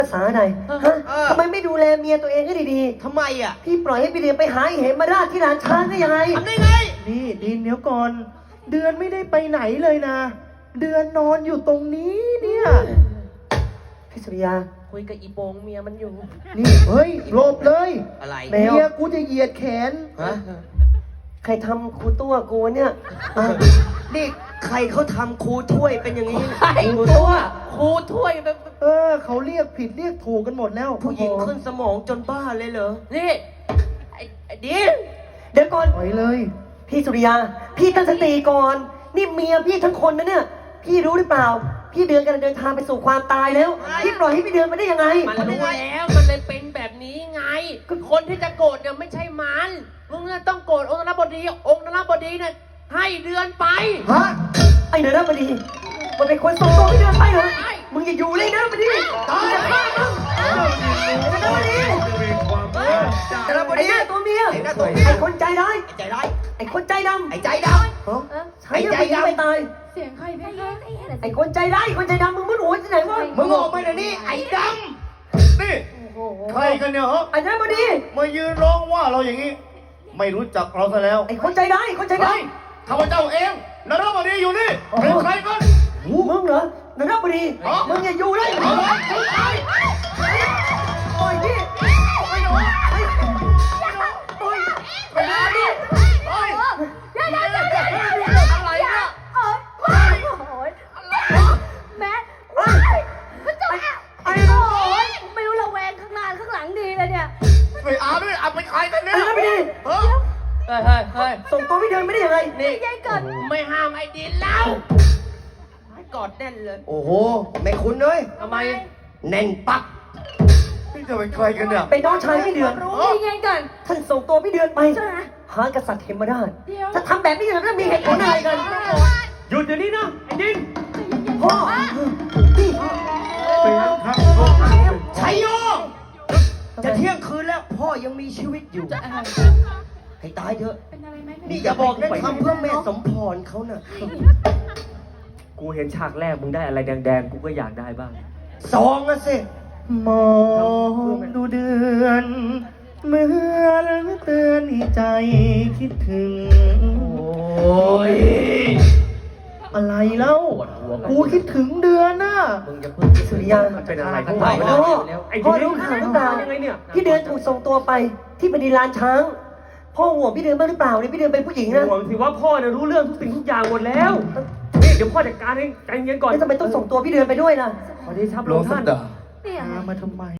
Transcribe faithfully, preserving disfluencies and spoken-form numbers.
ภาษาอะไรฮะทำไมไม่ดูแลเมียตัวเองให้ดีๆทำไมอ่ะพี่ปล่อยให้พี่เดือนไปหาเหมมาราชที่ร้านช้างได้ยังไงทำได้ไงนี่ดินเดี๋ยวก่อน เดือนไม่ได้ไปไหนเลยนะ เดือนนอนอยู่ตรงนี้เนี่ยพี่สุริยาคุยกับอีโปงเมียมันอยู่นี่เฮ้ยหลบเลยอะไรเมียกูจะเหยียดแขนฮะใครทำครูตัวกูเนี่ยนี่ใครเขาทำครูถ้วยเป็นอย่างนี้ครูตัวครูถ้วยแบบเออเขาเรียกผิดเรียกถูกกันหมดแล้วผู้หญิงขึ้นสมองจนบ้าเลยเหรอนี่ไอ้ไอ้ดินเดี๋ยวก่อนปล่อยเลยพี่สุริยาพี่ตั้งสติก่อนนี่เมียพี่ทั้งคนนะเนี่ยพี่รู้หรือเปล่าพี่เดือนกำลังเดินทางไปสู่ความตายแล้วพี่ปล่อยให้พี่เดือนมาได้ยังไงมันรู้แล้วมันเลยเป็นแบบนี้ไงคนที่จะโกรธเนี่ยไม่ใช่มันมึงต้องโกรธองค์นรบดีองค์นรบดีเนี่ยให้เดือนไปฮะไอ้เดือนนรบดีมันเป็นคนส่งตัวพี่เดือนไปเหรอมึงอย่าอยู่เลยนะนรบดีตายแล้วมึงนรบดีนรบดีไอ้หน้าตัวเมียไอ้คนใจร้ายใจร้ายไอ้คนใจดำไอ้ใจดำไอ้ใจดำไม่ตายเสียงใครเพคะไอ้คนใจร้ายคนใจดำมึงมึงหัวที่ไหนวะมึงออกมาเดี๋ยวนี้ไอ้ดำนี่ใครกันเนี่ยฮะไอ้นรบดีมายืนร้องว่าเราอย่างนี้ ไม่รู้จักเราซะแล้วไอ้คนใจร้ายคนใจดำข้าพเจ้าเองนรบดีอยู่นี่เป็นใครกันมึงเหรอนรบดีมึงอย่าอยู่เลยโอ้ยพี่โอ้ยโอ้ยโอ้ยไปไหนดิโอ้ยเดี๋ยวเดี๋ยวเดี๋ยวเดี๋ยวอะไรเนี่ยโอ๊ยโอ๊ยแม่ก็จะโอ๊ยไม่รู้ระแวงข้างหน้าข้างหลังดีเลยเนี่ยไปอาด้วยอาเป็นใครกันเนี่ยไอ้นรบดีเฮ้ยเฮ้ยเฮ้ยเฮ้ยส่งตัวพี่เดินไม่ได้ยังไงนี่ไม่ห้ามไอ้ดินแล้วกอดแน่นเลยโอ้โหไม่คุ้นเลยทำไมแน่นปักนี่จะเป็นใครกันเนี่ยเป็นน้องชายพี่เดือนรู้ยังไงกันท่านส่งตัวพี่เดือนไปหากษัตริย์เทมราชถ้าทำแบบนี้แล้วมีเหตุผลอะไรกันหยุดเดี๋ยวนี้นะไอ้ดินพ่อพี่เป็นครับชัยโยจะเที่ยงคืนแล้วพ่อยังมีชีวิตอยู่ให้ตายเถอะนี่อย่าบอกนะทำเพื่อแม่สมพรเขาน่ะกูเห็นฉากแรกมึงได้อะไรแดงๆกูก็อยากได้บ้างสองอะสิมองดูเดือนเมื่อเตือนใจคิดถึงโอ้ยอะไรเล่ากูคิดถึงเดือนน่ะมึงจะพึ่งสุริยาเป็นอะไรพ่อพ่อรู้ข่าวหรือเปล่าพี่เดือนถูกส่งตัวไปที่บดินลานช้างพ่อห่วงพี่เดือนบ้างหรือเปล่าเนี่ยพี่เดือนเป็นผู้หญิงนะห่วงสิว่าพ่อเนี่ยรู้เรื่องทุกสิ่งทุกอย่างหมดแล้วนี่เดี๋ยวพ่อจัดการให้ใจเย็นก่อนแล้วทำไมต้องส่งตัวพี่เดือนไปด้วยล่ะขอเดชะพระองค์ท่านมาทำไม